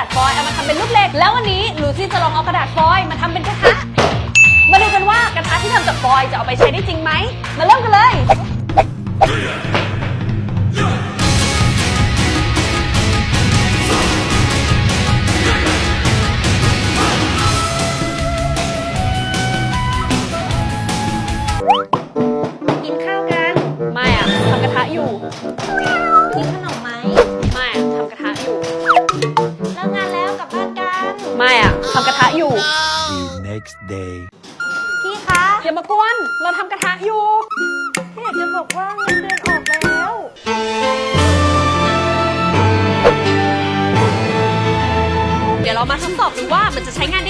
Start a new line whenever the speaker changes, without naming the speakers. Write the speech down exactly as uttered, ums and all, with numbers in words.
าษฟอยล์เอามาทำเป็นลูกเหล็กแล้ววันนี้ลูซี่จะลองเอากระดาษฟอยล์มาทำเป็นกระทะมาดูกันว่ากระทะที่ทำจากฟอยล์จะเอาไปใช้ได้จริงไหมมาเริ่มกันเลยกินข้าวกันไม่อะทำกระทะอยู่กินขนมไหมไม่อะทำกระทะอยู่เลิกงานแล้วกลับบ้านกันไม่อะทำกระทะอยู่
The next day
พี่คะอย่ามากวนเราทำกระทะอยู่พี่อยากจะบอกว่าเงินเดือนออกแล้วเดี๋ยวเรามาทดสอบดูว่ามันจะใช้งาน